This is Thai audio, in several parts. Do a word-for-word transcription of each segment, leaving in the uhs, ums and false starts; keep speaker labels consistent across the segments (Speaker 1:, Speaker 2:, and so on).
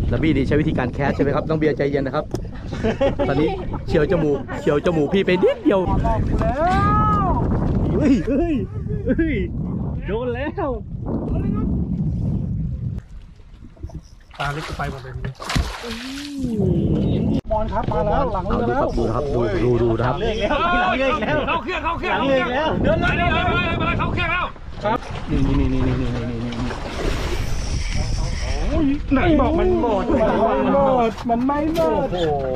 Speaker 1: แล้วบี้นี่ใช้วิธีการแคสใช่ไหมครับน้องเบียร์ใจเย็นนะครับตอนนี้เฉียวจมูกเฉียวจมูกพี่ไปนิดเดียวเฮ้ยเฮ้ยเฮ้ยโดนแล้ว
Speaker 2: ตาเล็กไปหมดเลยมอนครับมาแล้วหลังเรือแล้ว
Speaker 1: ดูครับดูดูดูนะครับ
Speaker 2: เรือแล้วเรือแล้วเข้าเครื่องเข้าเครื่องเรือแล้วเดินเลยเดินเลยมาเข้าเครื่องแล้วครับ
Speaker 1: นี่นี่นี่นี่นี่นี่นี่
Speaker 2: ไหนบอกมันหมดมันหมดมันไม่หมดโอ้โห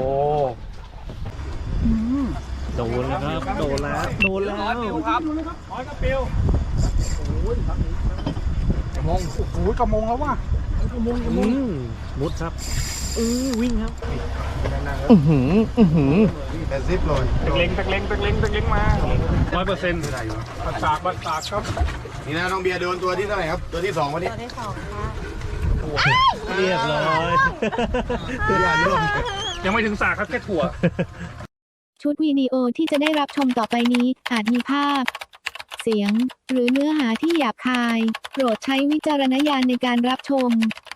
Speaker 1: โดนแล้วครับโดนแล้วโดนแล้ว
Speaker 2: ร้อยปิวครับร้อยกระปิวโอ้ยกระมงโอ้ยกระมงแล้วว่ะกระมงกระมง
Speaker 1: มุดครับอือวิ่งครับอือหืออือหือ
Speaker 2: แต่ซิปเลยตะเล็งตะเล็งตะเล็งตะเล็งมาร้อยเปอร์เซ็นต์บัดสากบัดสากครับ
Speaker 3: นี่นะน้องเบียร์โดนตัวที่เท่าไหร่ครับตัวที่สองวันนี้
Speaker 4: ตัวที่สองค่ะ
Speaker 1: เรียบร้อย
Speaker 3: ตัวอย่างเริ่ม
Speaker 2: ยังไม่ถึงสากครับแค่ถั่ว
Speaker 5: ชุดวิดีโอที่จะได้รับชมต่อไปนี้อาจมีภาพเสียงหรือเนื้อหาที่หยาบคายโปรดใช้วิจารณญาณในการรับชม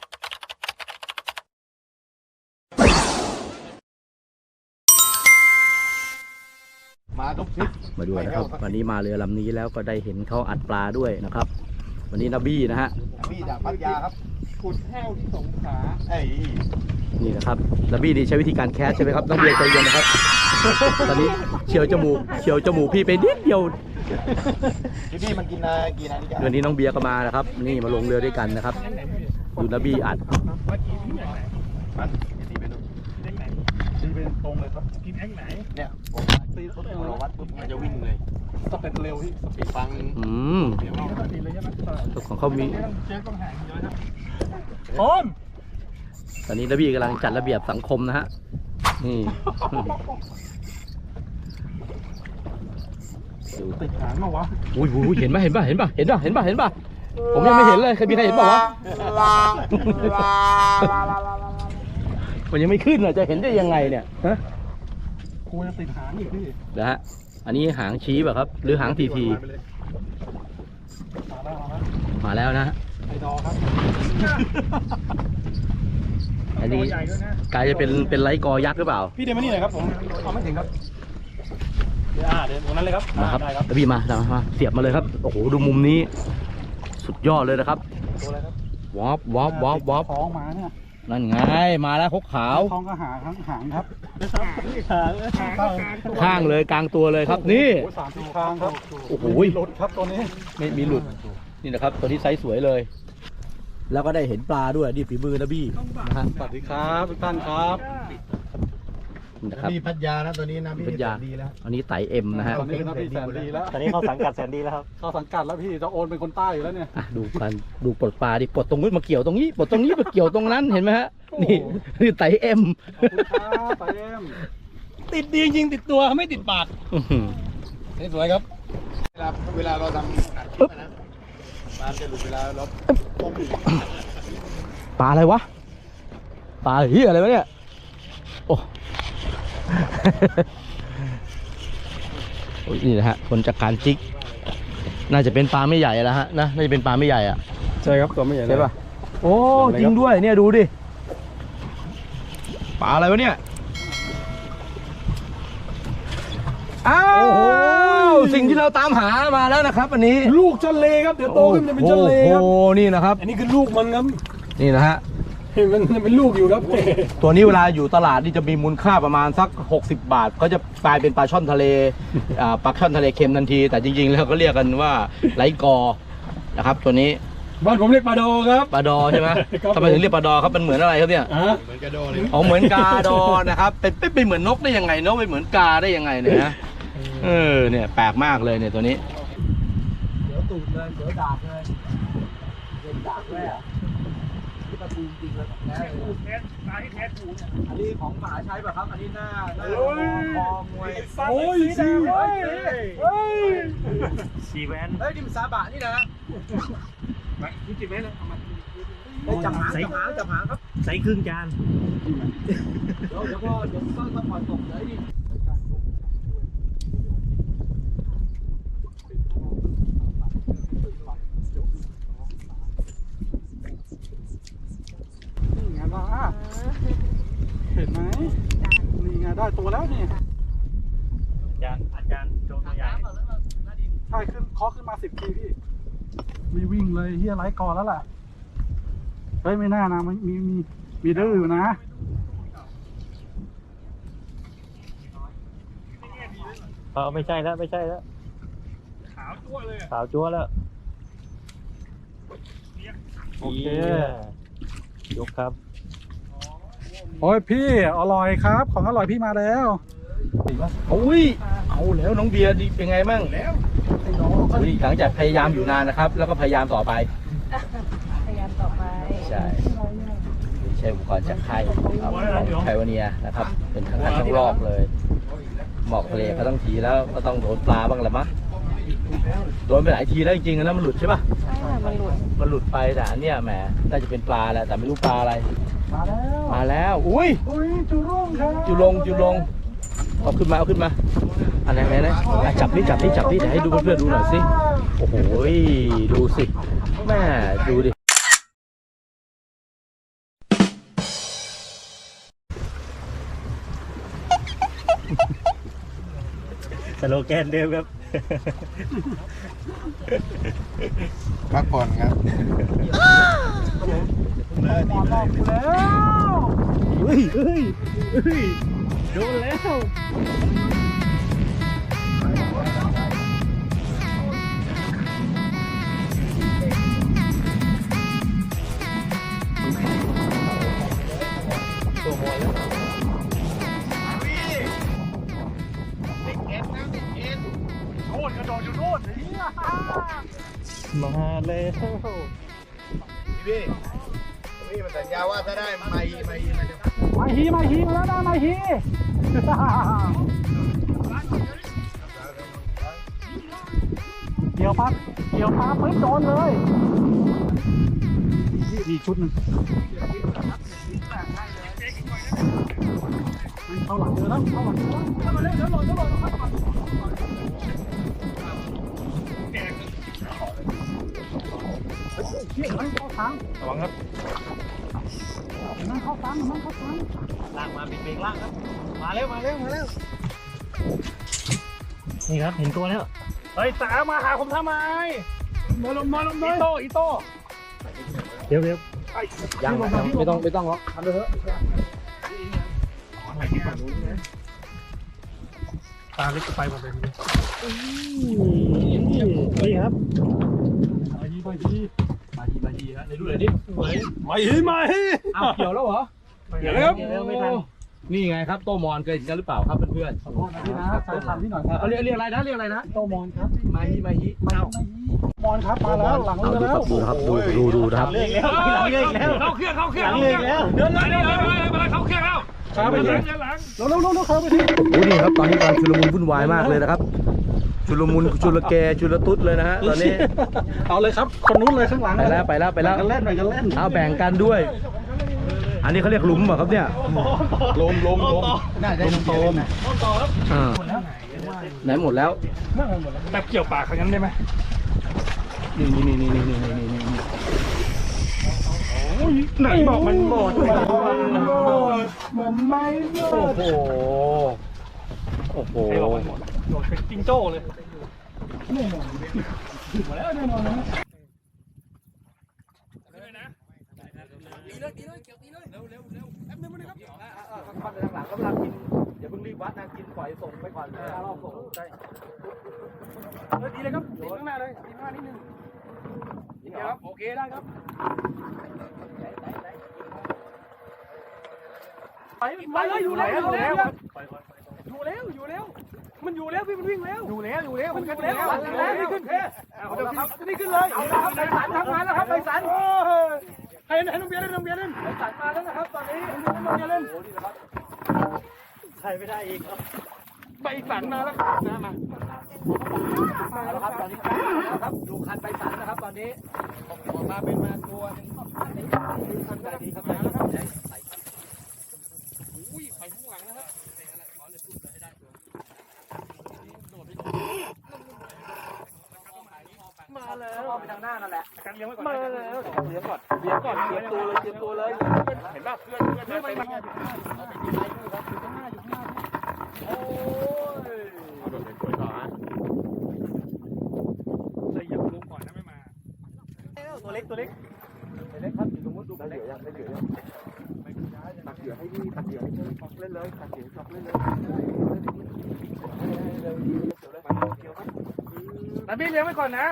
Speaker 3: มาทุกทริป
Speaker 1: มาด้วยนะครับวันนี้มาเรือลำนี้แล้วก็ได้เห็นเขาอัดปลาด้วยนะครับวันนี้นบี้นะฮะ
Speaker 3: บี้จากพัทยาครับ
Speaker 2: ขุดแห้วที่สงขลา
Speaker 3: ไอ้
Speaker 1: นี่นะครับนบี้นี่ใช้วิธีการแคสใช่ไหมครับน้องเบียร์ใจเย็นนะครับตอนนี้เฉียวจมูกเฉียวจมูกพี่ไปนิดเดียว
Speaker 3: พี่พี่มันกินอะไรกินอะไรนี่จ้ะ
Speaker 1: วันนี้น้องเบียร์ก็มานะครับนี่มาลงเรือด้วยกันนะครับดูนบี้อัด
Speaker 2: ตีเป็นตรงเลยครับกินแองไหน
Speaker 3: เนี่ยผมตีรถเราวัดปุ๊บมันจะวิ่งเลย
Speaker 2: สเต็ปเร็วที่สปีด
Speaker 3: ฟัง
Speaker 1: อืมของเขามี
Speaker 2: โอน
Speaker 1: ตอนนี้นบี้กำลังจัดระเบียบสังคมนะฮะนี่
Speaker 2: ติดหางมาวะ
Speaker 1: อุ้ยอุ้ยเห็นป่ะเห็นป่ะเห็นป่ะเห็นป่ะเห็นป่ะเห็นป่ะผมยังไม่เห็นเลยใครมีใครเห็นป่ะวะมันยังไม่ขึ้นเลยจะเห็นได้ยังไงเนี่ยฮะ
Speaker 2: กูจะติดหางอีกพี่
Speaker 1: นะฮะอันนี้หางชี้ป่ะครับหรือหางทีทีมาแล้วนะ
Speaker 2: ไอดอครับ
Speaker 1: อันนี้กลายจะเป็นเป็นไลท์กอยักษ์หรือเปล่า
Speaker 2: พี่เดินมานี่หน่อยครับผมเอาไม่ถึงครับเดี๋ยวอ่าเดินตรงนั้นเลยครับ
Speaker 1: มาครับแล้วพี่มามาเสียบมาเลยครับโอ้โหดูมุมนี้สุดยอดเลยนะครับวอฟวอฟวอฟวอฟ
Speaker 2: ท้องมาเนี่ย
Speaker 1: นั่นไงมาแล้วคกขาว
Speaker 2: ท้องก็หางหางครับ
Speaker 1: ข้างเลยกลางตัวเลยครับนี่
Speaker 2: สามสี่ข้างครับ
Speaker 1: โอ้โห
Speaker 2: หลุดครับตัวนี้
Speaker 1: ไม่มีหลุดนี่นะครับตัวที่ไซส์สวยเลยแล้วก็ได้เห็นปลาด้วยนี่ฝีมือนะบี้นะฮะ
Speaker 2: สวัสดีครับทุกท่านครับ
Speaker 1: นะครับ
Speaker 3: พี่พัทยานะตัวนี้นะพี่
Speaker 1: พัทยาดีแล้วอันนี้ไต่เอ็มนะฮะ
Speaker 2: ตอนนี้พี่แสนดีแล้ว
Speaker 4: ตอนนี้เขาสังกัดแสนดีแล้วครับ
Speaker 2: เขาสังกัดแล้วพี่จะโอนเป็นคนใต้อยู่แล้วเนี่ย
Speaker 1: ดูกันดูปลดปลาดิปลดตรงนู้นมาเกี่ยวตรงนี้ปลดตรงนี้มาเกี่ยวตรงนั้นเห็นไหมฮะนี่นี่ไต่เอ็ม
Speaker 2: ไต่เอ็ม
Speaker 1: ติดดีจริงติดตัวไม่ติดปาก
Speaker 3: นี่สวยครับเวลาเวลาเราทำปึ๊บนะปลาจะหลุดเวลาเรา
Speaker 1: ปลาอะไรวะปลาเหี้ยอะไรวะเนี่ยโอ้นี่นะฮะคนจากการจิกน่าจะเป็นปลาไม่ใหญ่แล้วฮะนะน่าจะเป็นปลาไม่ใหญ่อ่ะ
Speaker 2: ใช่ครับตัวไม่ใหญ่
Speaker 1: ใช่ป่ะโอ้จริงด้วยเนี่ยดูดิปลาอะไรวะเนี่ยอ้าวสิ่งที่เราตามหามาแล้วนะครับอันนี้
Speaker 2: ลูกจันเลครับเดี๋ยวโตขึ้นจะเป็นจันเลครับ
Speaker 1: โอ้นี่นะครับ
Speaker 2: อันนี้คือลูกมันครับ
Speaker 1: นี่นะฮะ
Speaker 2: มันเป็นลูกอยู่ครับ
Speaker 1: ตัวนี้เวลาอยู่ตลาดนี่จะมีมูลค่าประมาณสักหกสิบบาทก็จะกลายเป็นปลาช่อนทะเลปลาช่อนทะเลเค็มทันทีแต่จริงๆแล้วก็เรียกกันว่าไลกอนะครับตัวนี้
Speaker 2: บ้านผมเรียกปลาดอครับ
Speaker 1: ปลาดอใช่ไหมทำไมถึงเรียกปลาดอครับมันเหมือนอะไรครับเนี่ย
Speaker 3: เหมือนกาดอเลย
Speaker 1: อ๋อเหมือนกาดอนะครับเป็นเป็นเหมือนนกได้ยังไงนกเป็นเหมือนกาได้ยังไงเนี่ยนะเออเนี่ยแปลกมากเลยเนี่ยตัวนี้
Speaker 2: เดี๋ยวตูดเลยเดี๋ยวดาบเลยเดี๋ยวดาบเลยอ่ะที่ประตูจริงเลยแท้เลยแท้ตายแท้ถูเนี่ยอันนี้ของหมาใช้ป่ะครับอันนี้หน้าหน้าคอมวยโอ้ยสีแดงเฮ้ย
Speaker 4: สีแวน
Speaker 2: เฮ้ยดิมซาบะนี่นะมายี่สิบเมตรเลยเอามาจับหางจับหางจับหางครับ
Speaker 4: ใส่ครึ่งจาน
Speaker 2: เดี๋ยวเดี๋ยวก็เดี๋ยวก็ต้องปล่อยตกเลยดิ
Speaker 6: ใช่ขึ้นเคาะขึ้นมาสิบทีพี่มีวิ่งเลยเฮียไล่ก่อนแล้วแหละเฮ้ยไม่น่านะมันมีมีมีดื้ออยู่นะ
Speaker 4: เออไม่ใช่แล้วไม่ใช่แล้ว
Speaker 6: ขาวจั่วเลย
Speaker 4: สาวจั๊วแล้ว
Speaker 6: โอเค
Speaker 4: ยกครับ
Speaker 6: โอ้ยพี่อร่อยครับ ของอร่อยพี่มาแล้ว
Speaker 1: โอ้ยเอาแล้วน้องเบียร์ดีเป็นไงมั่งแล้วหลังจากพยายามอยู่นานนะครับ แล้วก็พยายามต่อไป
Speaker 7: พยายามต่อไป
Speaker 1: ใช่ใช้อุปกรณ์จากค่ายครับของไพวเนียนะครับ เป็นครั้งแรกทั้งรอบเลยหมอกทะเลก็ต้องทีแล้วก็ต้องโดนปลาบ้างแหละมั้งโดนไปหลายทีแล้วจริงๆนะมันหลุดใช่ป่ะ
Speaker 7: ใช่ค่ะมันหลุด
Speaker 1: มันหลุดไปแต่อันเนี้ยแหมน่าจะเป็นปลาแหละแต่ไม่รู้ปลาอะไร
Speaker 6: มาแล้ว
Speaker 1: มาแล้วอุ้ย
Speaker 6: อุ้ยจุรุ่งครับ
Speaker 1: จุลงจุลงเอาขึ้นมาเอาขึ้นมาอันไหนไหนไหนอ่ะจับนี่จับนี่จับนี่เดี๋ยวให้ดูเพื่อนๆดูหน่อยสิโอ้โหดูสิแม่ดูดิ
Speaker 4: สโลแกนเดิมครับ
Speaker 3: พักผ่อนครับ
Speaker 1: เฮ้ยเฮ้ยเฮ้ยโดนแล้ว
Speaker 6: โน่นกระโดดอยู่โน่น
Speaker 4: มาแล้ว
Speaker 3: พี่พี่มันสัญญาว่าถ้าได้ไม่ไม่มันจะ
Speaker 6: มาฮีมาฮีมาแล้วนะมาฮีเกี่ยวปั๊บเกี่ยวปั๊บปึ๊บโดนเลยมีชุดหนึ่งเข้าหลังเจอแล้วเข้าหลังเจอแล้วเข้ามาเร็วเดี๋ยวหล่นเดี๋ยวหล่นเข้ามาเฮ้ยมันเข้าทาง
Speaker 4: ระวังครับ
Speaker 6: มันเข้าทางมันเข้าทาง
Speaker 4: ลากมาเบรกลากครับ มาเร็วมาเร็วมาเร็วนี่ครับเห็นตัวแล้ว
Speaker 6: เฮ้ยสามาหาผมทำไมมาลงมาลงเลยอีโต้อีโต้
Speaker 4: เดี๋ยวเดี๋ยว
Speaker 1: ยังยังไม่ต้องไม่ต้องหรอกทำเลยเถอะ
Speaker 6: ตาเล็กไปหมดเลย
Speaker 4: นี่ครับ
Speaker 6: มาฮีมาฮี
Speaker 1: มาทีมาทีฮะในดูเลยดิ
Speaker 6: มาฮีมาฮี
Speaker 1: อ้าวเกี่ยวแล้วเหรอ
Speaker 6: เดี๋ยวครับ
Speaker 4: เดี๋ยวไม่ทัน
Speaker 1: นี่ไงครับโตมอนเคยเห็นกันหรือเปล่าครับเพื่อน
Speaker 6: ขอโทษนะพี่นะใช้คำที่หน่อยครับ
Speaker 1: ๆเอาเรียกเรียกอะไรนะเรียกอะไรนะ
Speaker 6: โตมอนครับ
Speaker 1: มาฮีมาฮี
Speaker 6: มาฮีมอนครับมาแล้วหลัง
Speaker 1: เอา
Speaker 6: เรือ
Speaker 1: ดู
Speaker 6: แล้
Speaker 1: คว รับดูนะครับดูดูดูนะครับ
Speaker 4: เลื่อยแล้วหลังเลื่อยแล้ว
Speaker 6: เข้าเครื่องเข้าเครื่อง
Speaker 4: หลังเลื่อยแล้ว
Speaker 6: เดินเลยเดินเลยมาเลยเข้าเครื่องแล้วครับไปเลยหลังเร็วเร็วเร็วเร็วเข้าไปที่
Speaker 1: โอ้นี่ครับตอนนี้กำลังชุลมุนวุ่นวายมากเลยนะครับชุลมุนชุลแกชุลตุ๊ดเลยนะฮะตอนนี้
Speaker 6: เอาเลยครับคนนู้นเลยข้างหลัง
Speaker 1: ไปแล้วไปแล้วไปแล้ว
Speaker 6: กันเล่นหน่อยกันเล่น
Speaker 1: เอาแบ่งกันด้วย อันนี้เขาเรียกหลุมเหรอครับเนี่ย
Speaker 3: ลมลมลมน่าจะ
Speaker 1: ลมโตมอ่าไหนหมดแล้ว
Speaker 6: แบบเกี่ยวปากครั้งนั้นได้ไหม
Speaker 1: นี่นี่นี่นี่นี่นี่นี่นี่
Speaker 6: ไหนบอกมันหมดมันไม่หม
Speaker 1: โอ้
Speaker 6: ด
Speaker 1: โหโอ้โห
Speaker 6: โดดเป็นจิงโจ้เลยแน่นอนมาแล้วแน่นอนนะ
Speaker 1: ฟันไปทางหลังกำลังกินอย่าเพิ่งรีบวัดนะกินปล่อยส่งไปก่อนเลยรอบส่งใช่
Speaker 6: เออดีเลยครับดีข้างหน้าเลยดีข้างหน้านิดนึงดีครับโอเคได้ครับไปไปเลยอยู่แล้วอยู่แล้วอยู่แล้วอยู่แล้วมันอยู่แล้วพี่มันวิ่งแล้วอยู่แล้วอยู่แล้วมันอยู่แล้วแล้วนี่ขึ้นเอาเดี๋ยวครับนี่ขึ้นเลยเอาละครับไปสันทำงานแล้วครับไปสันให้ให้น้องเบียร์เล่นน้องเบียร์เล่นไปสันมาแล้วนะครับตอนนี้น้องเบียร์เล่น
Speaker 4: ใช่ไม่ได้อีกครับ
Speaker 6: ไปสันมาแล้วนะมามาแล้วครับตอนนี้
Speaker 1: ครับดูคันไปสันนะครับตอนนี้ออกมาเป็นมาตัวนึงคันได้ดีครับได้ครับอุ้ยไปข้างหลังนะครับมาแล้วไปทางหน้านั่นแหละ
Speaker 6: กันเลี้ยงไว้ก่อน
Speaker 1: มาแล้วเลี้ยงก่อนเลี้ยงก่อนเตรียมตัวเลยเตรียมตัวเลย
Speaker 6: เห็นป่ะเพื่อนเพื่อนเพื่อนไปมาอยู่ข้างหน้าอยู่ข้างหน้าอยู่ข้างหน้าอยู่ข้างหน้า
Speaker 1: โอ้ย
Speaker 6: โดดเลยสวยต่อฮะตัวเล็ก
Speaker 2: เล็กครับอยู่ตรงนู้นดูได้เหลือยังได้เหลือยังตักเหยื่อให้พี่ตักเหยื่อให้พี่ช็อกเล่นเลยตักเหยื่อช็อกเล่นเลย
Speaker 6: แต่พี่เลี้ยงไว้ก่อนนะ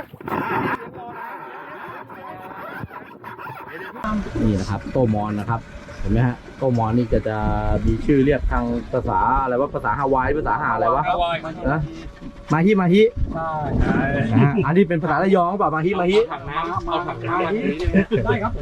Speaker 1: นี่นะครับโตมอนนะครับเห็นไหมฮะโตมอนนี่จะจะมีชื่อเรียกทางภาษาอะไรว่าภาษาฮาวายภาษาหาอะไรวะนะมาฮิมาฮิ
Speaker 2: ใช่
Speaker 1: นะฮะอันนี้เป็นภาษาระยองเปล่ามาฮิมาฮิ
Speaker 2: เอาถังน้ำได้ครับ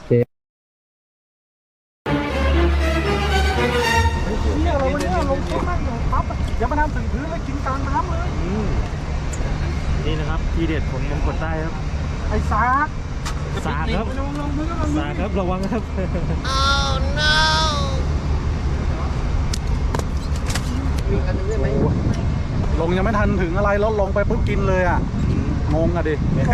Speaker 2: เนี่ยเราวันนี้ลงทุนมากเลยปั๊บอย่ามาทำถึงพื้นเลยกินกลางน้ำเลย
Speaker 4: นี่นะครับทีเด็ดของมงกฎใต้ครับ
Speaker 2: ไอ้ซาก
Speaker 4: สากครับ
Speaker 2: ลงลงพื้นลง
Speaker 4: สากครับระวังครับ
Speaker 2: ลงยังไม่ทันถึงอะไรแล้วลงไปปุ๊บกินเลยอ่ะงงอ่ะดิ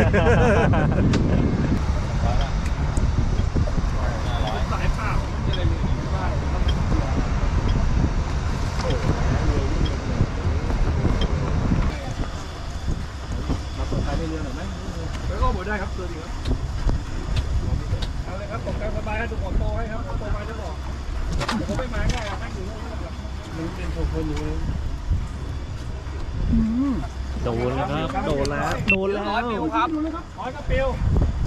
Speaker 6: แล้วก็หมดได้ครับตัวดีครับเอาเลยครับตกกลางสบายให้ทุกคนโตให้ครับโตไปจะบอกเดี๋ยวผมไม่มาง่ายนั่งอยู่นู่นนะครับมึงเป็นคนอยู่เลย
Speaker 4: โดนแล้วครับโดนแล้วโดนแล้ว
Speaker 6: ร้อยปิวครับร้อยกระปิว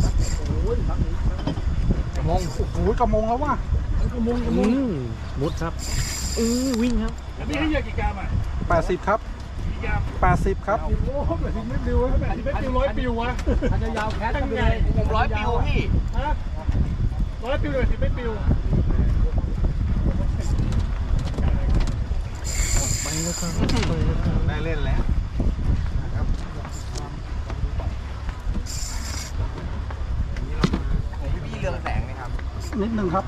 Speaker 2: กระมงโอ้โหกระมงแล้วว่ะ
Speaker 4: อืมมุดครับอือวิ่งครับ
Speaker 6: แล้วพี่ให้เหยื่อกี่กรัมอ่ะ
Speaker 2: แปดสิบครับ
Speaker 6: กี่กรัม
Speaker 2: แปดสิบครับ
Speaker 6: โอ้โหแบบนี้ไม่ปิวแบบนี้ไม่ปิวร้อยปิววะ
Speaker 2: อันจะยาวแค่
Speaker 6: ตั้งไง
Speaker 2: ผมร้อยปิวพี่
Speaker 6: ฮะร้อยปิวเลยสิไม่ปิว
Speaker 3: ได้เล่นแล้วพี่เรืองแสงไหมครับ
Speaker 2: นิดนึงครับ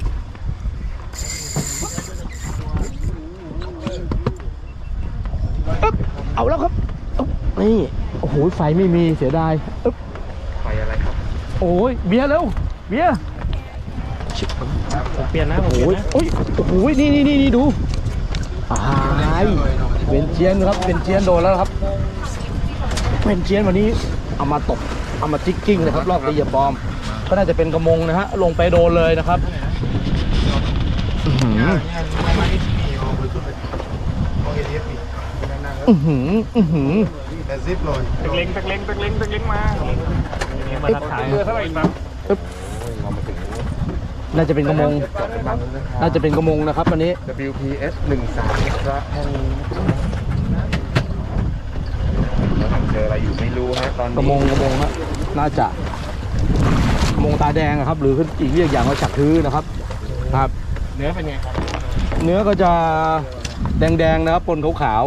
Speaker 1: เอาแล้วครับอึ๊บนี่โอ้โหไฟไม่มีเสียดายอึ๊บ
Speaker 3: ไฟอะไรครับ
Speaker 1: โอ้ยเบียร์เร็วเบียร์
Speaker 4: ผมเปลี่ยนนะผม
Speaker 1: โอ้
Speaker 4: เปลี่
Speaker 1: ย
Speaker 4: ยนนะ
Speaker 1: โอ้ยโอ้โหนี่นี่นี่นี่ดูตายเป็นเจียนครับเป็นเจียนโดนแล้วครับเป็นเจียนวันนี้เอามาตกเอามาจิกกิ้งนะครับรอบตีเหยียบบอมก็น่าจะเป็นกระมงนะฮะลงไปโดนเลยนะครับอื้อหืออื้อหืออื้อหือ
Speaker 3: แต่ซิปเลย
Speaker 6: ตะเล็งตะเล็งตะเล็งตะเล็งมา
Speaker 4: มาทักทาย
Speaker 6: เรือเท่าไหร่ครับ
Speaker 1: น่าจะเป็นกระมงน่าจะเป็นกระมงนะครับวันนี้
Speaker 3: ดับเบิลยู พี เอส หนึ่งสามครับห้องเราทำเจออะไรอยู่ไม่รู้ฮะตอนนี้
Speaker 1: กระมงกระมงฮะน่าจะกระมงตาแดงอะครับ หรืออีกเรียกอย่างว่าฉักทื้อนะครับครับ
Speaker 3: เนื้อเป็นไงครับ
Speaker 1: เนื้อก็จะแดงๆนะครับปนขาว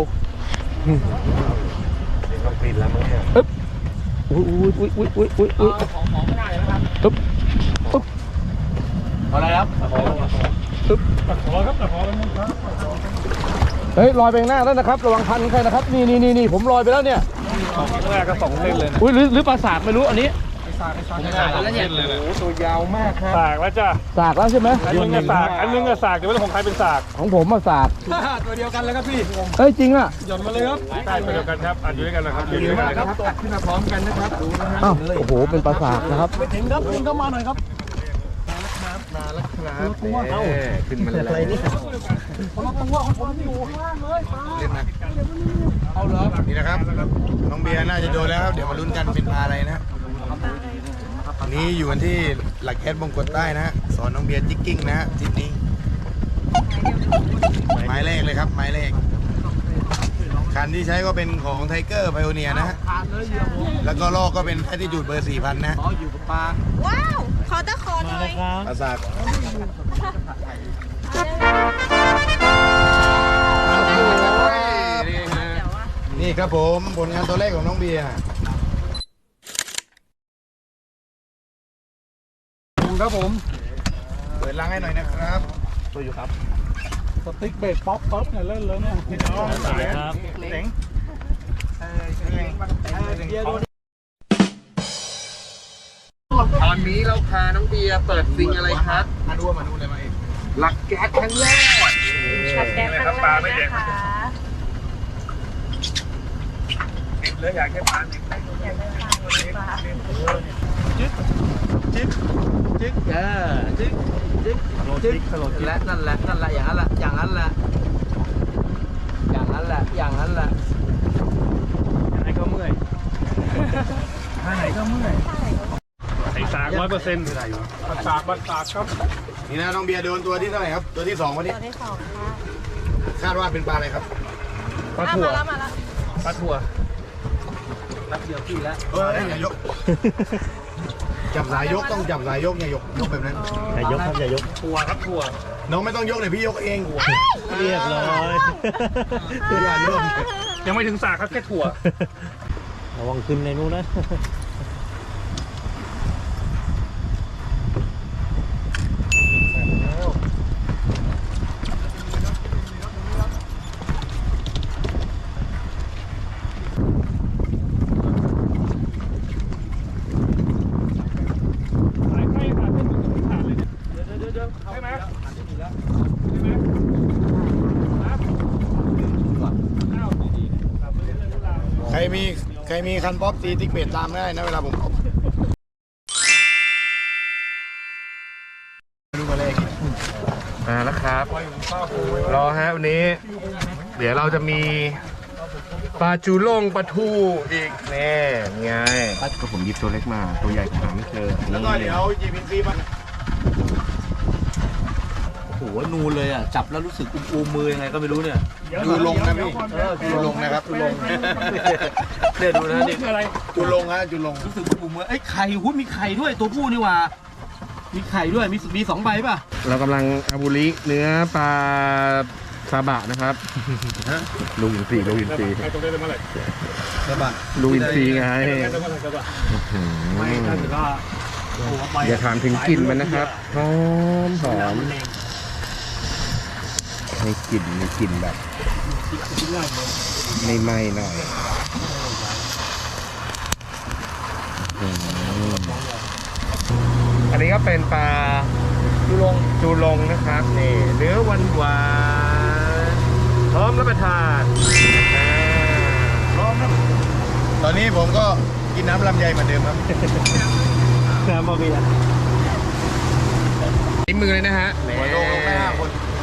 Speaker 3: ต้องปิดแล้วมั้งเนี่ย
Speaker 1: ๆอึ๊บอุ้ยอุ้ยอุ้ยอุ้ยอุ้ยอุ้ย
Speaker 6: ของของไม่ได้นะครับ
Speaker 1: อึ๊บอึ๊บ
Speaker 3: อะไรครับ
Speaker 1: อึ๊บ
Speaker 6: ตะขอครับตะขอเป็นครับ
Speaker 1: เฮ้ยลอยไปข้างหน้าแล้วนะครับระวังพันใครนะครับนี่นี่นี่นี่ผมลอยไปแล้วเนี่ย
Speaker 6: แรกก็สองเส้นเลยนะ
Speaker 1: อุ้ยหรือหรือปลาสากไม่รู้อันนี้
Speaker 3: แล้วเนี่ยโอ้ตัวยาวมากครับ
Speaker 6: สากแล้วจ้ะ
Speaker 1: สากแล้วใช่ไหม
Speaker 6: อันนึงก็สากอันนึงก็สากแต่ว่าของใครเป็นสาก
Speaker 1: ของผมมาสาก
Speaker 6: ตัวเดียวกันเลยครับพี่
Speaker 1: เฮ้ยจริงอ่ะ
Speaker 6: หย่อนมาเลยครับใช่ตัวเดียวกันครับอันอยู่ด้วยกันนะครับอยู่ด้วยกันเลยครับ
Speaker 3: ตกขึ้นมาพร้อมกันนะครับดูนะฮะ
Speaker 1: อ้าวโอ้โหเป็นปลาสากนะครับ
Speaker 2: ถึงครับถึงเข้ามาหน่อยครับ
Speaker 3: มาแล้วครับเอ้าขึ้นมาแล้ว
Speaker 2: คนละตัวของผมอยู่ข้างล่างเลยปลา
Speaker 3: เล่นนะเอาเหรอนี่นะครับน้องเบียร์น่าจะโดนแล้วครับเดี๋ยวมาลุ้นกันเป็นปลาอะไรนะอันนี้อยู่กันที่หลักแคสบงกฎใต้นะฮะสอนน้องเบียร์จิกกิ้งนะฮะทริปนี้ไม้แรกเลยครับไม้แรกคันที่ใช้ก็เป็นของไทเกอร์ไพโอเนียนะฮะ
Speaker 2: ขาดเลยเหยื่อผม
Speaker 3: แล้วก็ลอกก็เป็นแอตติจูดเบอร์สี่พันนะ
Speaker 2: อ๋ออยู่กับปลา
Speaker 7: ว้าว ขอตะขอหน่อย
Speaker 3: ปราสาทนี่ครับผมผลงานตัวแรกของน้องเบียร์
Speaker 2: ครับผม
Speaker 3: เปิดลังให้หน่อยนะครับ
Speaker 1: ตัวอยู่ครับ
Speaker 2: สติ๊กเบสป๊อปป๊อปเนี่ยเล่นเลยเนี่ย
Speaker 4: สายครับ
Speaker 3: เจ๋งตอนนี้เราพาน้องเบียร์เปิดซิงอะไรครับมาดูมาดูเลยมาเองหลักแก๊สครั้งแรก
Speaker 7: ขัดแกงครั้งแรกนะคะ
Speaker 3: ติด
Speaker 6: เลยอยากแค่ปลาเนี่ย
Speaker 2: จึ๊กจึ๊กจึ๊กเออจึ๊กจึ๊กจึ๊กและนั่นแหละนั่นแหละอย่างนั้นแหละอย่างนั้นแหละอย่างนั้นแหละอย่างนั้นแหละ
Speaker 6: ไหนก็เมื่อยท่าไหนก็เมื่อยใส่สากร้อยเปอร์เซ็นต์บัดสากบัดสากครับ
Speaker 3: นี่นะน้องเบียร์โดนตัวที่เท่าไหร่ครับ ตัวที่สองวันนี้
Speaker 7: ตัวที่สองค่ะ
Speaker 3: คาดว่าเป็นปลาอะไรครับ
Speaker 6: ปลา
Speaker 7: อ่ะ
Speaker 6: ถั่ว
Speaker 7: มาแล้วมาแล้ว
Speaker 6: ปลาถั่ว
Speaker 2: รับเดียวพี่แล้ว
Speaker 3: เอออย่ายก จับสายยกต้องจับสายยกอย่ายกยกแบบนั้น
Speaker 4: อย่ายกครับอย่ายก
Speaker 6: ถั่วครับถั่ว
Speaker 3: น้องไม่ต้องยกเลยพี่ยกเอง
Speaker 4: เรียบร้อย
Speaker 3: อย่าโยก
Speaker 6: ยังไม่ถึงสากครับแค่ถั่ว
Speaker 4: ระวังขึ้นในนู้นนะ
Speaker 6: สายไฟขาดเป็นขาดเลยเนี่ยเดี๋ยวเดี๋ยวเดี๋ยวใช่ไหมใช่ไหมครับอ้าวดีๆครับเรื่องราว
Speaker 3: ใครมีใครมีคันป๊อปตีติ๊กเบดตามได้นะเวลาผมดูมาเลย
Speaker 8: มาแล้วครับ รอฮะวันนี้ เดี๋ยวเราจะมีปลาจูล่งปลาทูอีกแน่ไงก็ผมหยิบตัวเล็กมา ตัวใหญ่ผมหาไม่เจอ
Speaker 3: แล้วก็เดี๋ยวจีพีซีมา
Speaker 2: โอ้โหนูนเลยอ่ะจับแล้วรู้สึกอุ้มๆมือยังไงก็ไม่รู้เนี่ย
Speaker 3: ดูลงนะพี่ดูลงนะครับดูลง
Speaker 2: เนี่ยดูนะนี่
Speaker 6: คืออะไร
Speaker 3: ดูลงฮะดูลง
Speaker 2: รู้สึกอุ้มๆมือเอ้ยไข่หุ้ยมีไข่ด้วยตัวผู้นี่หว่ามีไข่ด้วยมีมีสองใบป่ะ
Speaker 8: เรากำลังอาบุริเนื้อปลาซาบะนะครับลูกอินทรีลูกอินทรี
Speaker 6: ใครตรงได้เลยเมื่อไหร่
Speaker 2: ใช่ป่ะ
Speaker 8: ลูกอินทรีไง
Speaker 6: ใครตรงเมื่อไหร่ครับ
Speaker 8: อืม
Speaker 2: ไม่ถ้าเกิดว่า
Speaker 8: อย่าถามถึงกลิ่นมันนะครับหอมหอมให้กลิ่นมีกลิ่นแบบไม่ไหม้หน่อยอืมอันนี้ก็เป็นปลาจูลงจูลงนะครับนี่เนื้อหวานหวานๆพร้อมรับประทานอ่า
Speaker 3: พร้อมครับตอนนี้ผมก็กินน้ำลำไยเหมือนเดิมครับ
Speaker 4: น้ำบะเบีย
Speaker 8: นิ้มือเลยนะฮะ
Speaker 3: หัวโลงลงไปห้าคน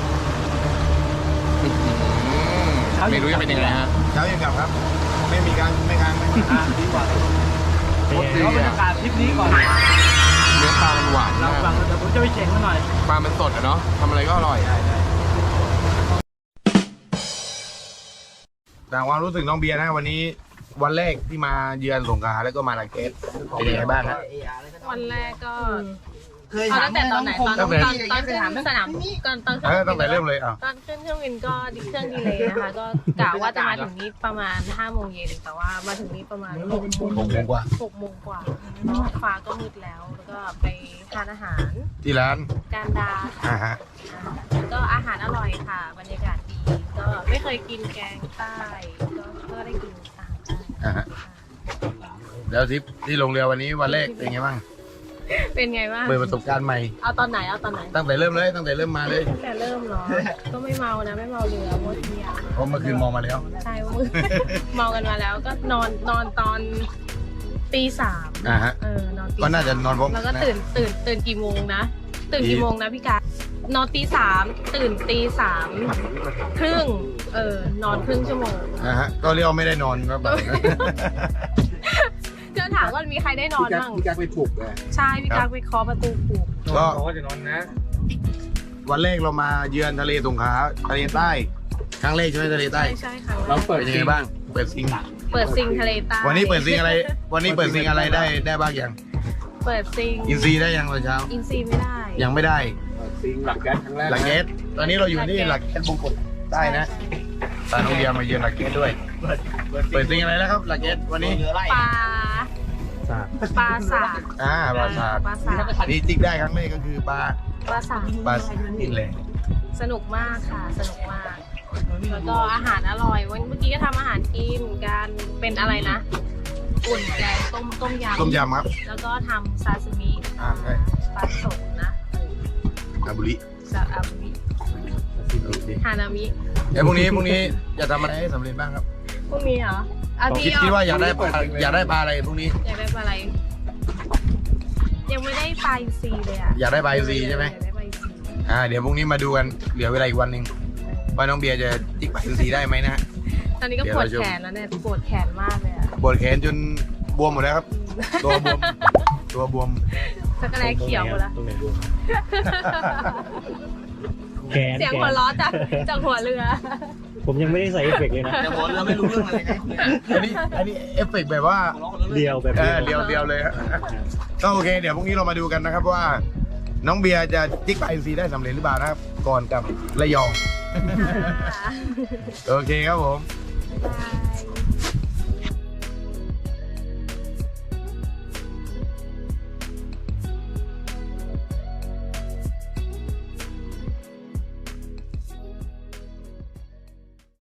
Speaker 8: ไม่รู้จะเป็นยังไงฮะ
Speaker 3: เช้ายังกลับครับ ไม่มีการไม่ค้างไม่ค้าง
Speaker 2: ดีกว่า
Speaker 4: เป็นไง
Speaker 2: เดี๋ยวบรรยากาศทริปนี้ก่อน
Speaker 8: เนื้อปลามันหวาน
Speaker 2: เรา
Speaker 8: มาก
Speaker 2: ฟังเดี๋ยวผมจะไปเช็งมาหน่อย
Speaker 8: ปลามันสดอะเนาะทำอะไรก็อร่อย
Speaker 3: แต่ความรู้สึกน้องเบียร์นะวันนี้วันแรกที่มาเยือนสงขลาแล้วก็มาลาเกสเป็นยังไงบ้างฮะ
Speaker 7: วันแรกก็เอาตั้งแต่ตอนไหนตอนตอนตอนขึ้นสนามตอนตอน
Speaker 3: เออตั้งแต่เริ่มเลยอ่ะ
Speaker 7: ตอนขึ้นเครื่องบินก็ดิเครื่องดีเลยนะคะ ก็กะว่าจะมาถึงนี้ประมาณห้าโมงเย็นแต่ว่ามาถึงนี้ประมาณหกโมง
Speaker 3: หกโมงกว่า
Speaker 7: หกโมงกว่าฟ้าก็มืดแล้ว แล้วก็ไปทานอาหาร
Speaker 3: ที่ร้าน
Speaker 7: การดา
Speaker 3: อ่าฮะ
Speaker 7: ก็อาหารอร่อยค่ะ บรรยากาศดี ก็ไม่เคยกินแกงใต้ ก็ก็ได้กินอาหารใต้
Speaker 3: อ่าฮะแล้วทริปที่ลงเรือวันนี้วันแรกเป็นไงบ้าง
Speaker 7: เป็นไงบ้าง
Speaker 3: เปิดประสบการณ์ใหม่
Speaker 7: เอาตอนไหน เอาตอนไหน
Speaker 3: ตั้งแต่เริ่มเลยตั้งแต่เริ่มมาเลย
Speaker 7: ตั้งแต่เริ่มเหรอ ก็ไม่เมานะ ไม่เมาเรือหมดเที่ยว
Speaker 3: เพราะเมื่อคืนมองมาแล้ว
Speaker 7: ใช่ว่ามือ เมากันมาแล้ว ก็นอนนอนตอนตีสาม
Speaker 3: อ่าฮะ
Speaker 7: เออนอนตี
Speaker 3: ก็น่าจะนอนพร้อม
Speaker 7: แล้วก็
Speaker 3: นะ
Speaker 7: ตื่นตื่นตื่นกี่โมงนะ ตื่น
Speaker 3: ตี
Speaker 7: กี่โมงนะพี่กานอนตีสามตื่นตีสามครึ่ง เออนอนครึ่งชั่วโมง
Speaker 3: อ่าฮะก็เรียกว่าไม่ได้นอนครับแบบนั้น
Speaker 7: ก็ถามว่ามีใครได้นอนบ้าง
Speaker 3: พี่กักไปปลุกเลย
Speaker 7: ใช่พี่กักไปเคาะประตูปลุก
Speaker 3: ก็
Speaker 6: เขาก็จะนอนนะ
Speaker 3: วันแรกเรามาเยือนทะเลสงขลาทะเลใต้ครั้งแรกใช่ไหมทะเลใต้
Speaker 7: ใช่ใช่ค่ะ
Speaker 3: เราเปิดยังไงบ้าง เปิดซิง
Speaker 7: เปิดซิงทะเลใต้
Speaker 3: วันนี้เปิดซิงอะไร วันนี้เปิดซิงอะไรได้ได้บ้างยัง
Speaker 7: เปิดซิง
Speaker 3: อินซีได้ยังตอนเช้า
Speaker 7: อินซีไม่ได้
Speaker 3: ยังไม่ได้
Speaker 6: ซิงหลักแก๊สครั้งแรก
Speaker 3: หลักเกตตอนนี้เราอยู่ที่หลักเกตบงกฎใต้นะตาน้องเบียร์มาเยือนหลักเกตด้วย เปิดซิงอะไรแล้วครับหลักเกตวันนี้
Speaker 7: ปลา
Speaker 4: สาก
Speaker 7: ปลาสาก
Speaker 3: อ่าปลาสาก
Speaker 7: ปลาสาก
Speaker 3: นี่จิกได้ครั้งแรกก็คือปลา
Speaker 7: ปลาสาก
Speaker 3: ปลาอินแหละ
Speaker 7: สนุกมากค่ะ สนุกมาก แล้วก็อาหารอร่อย วันเมื่อกี้ก็ทำอาหารกินกันเป็นอะไรนะ อุ่นแกงต้มต้มยำ
Speaker 3: ต้มยำครับ
Speaker 7: แล้วก็ทำซาซิมิ
Speaker 3: อ่าใช่
Speaker 7: ปลาสดนะ
Speaker 3: อาบุริ
Speaker 7: ซาอาบิฮานามิ
Speaker 3: เดี๋ยวพรุ่งนี้พรุ่งนี้จะทำอะไรให้สำเร็จบ้างครับ
Speaker 7: พรุ่งนี้เหรออ่ะ
Speaker 3: คิด
Speaker 7: พี่
Speaker 3: คิดว่าอยากได้ป
Speaker 7: อ
Speaker 3: ลาอยากได้ปลาอะไรพรุ่งนี้
Speaker 7: อยากได้ปลาอะไร ยังไม่ได้ปลาอินทรีเลยอ่ะ
Speaker 3: อยากได้ปลาอินทรีใช่ไหม
Speaker 7: อยากได้ปลาอินทรี
Speaker 3: อ่าเดี๋ยวพรุ่งนี้มาดูกันเหลือเวลาอีกวันหนึ่งว่าน้องเบียร์จะจิกปลาอินทรีได้ไหมนะฮะ
Speaker 7: ตอนนี้ก็ปวดแขนแล้วเนี่ยปวดแขนมากเลยอ่ะ
Speaker 3: ปวดแขนจนบวมหมดแล้วครับ ตัวบวมตัวบวม
Speaker 7: สักกระแลเขียวหมดแล้ว
Speaker 4: ตรงไหนดูแขน
Speaker 7: เสียงหัวล้อจากจากหัวเรือ
Speaker 4: ผมยังไม่ได้ใส่เอฟเฟกต์เลยนะ
Speaker 2: แต่หัวเรือไม่รู้เรื่องอะไรไง
Speaker 3: อันนี้อันนี้เอฟเฟกต์แบบว่า
Speaker 4: เดียวแบบ
Speaker 3: เอ
Speaker 4: เดีย
Speaker 3: อ
Speaker 4: ว
Speaker 3: เดียวเดียวเลยฮะก็โอเค เดี๋ยวพรุ่งนี้เรามาดูกันนะครับว่า น้องเบียร์จะจิกปลาอินทรีได้สำเร็จหรือเปล่านะครับ ก่อนกับระยอง โอเคครับผม
Speaker 7: บ๊ายบาย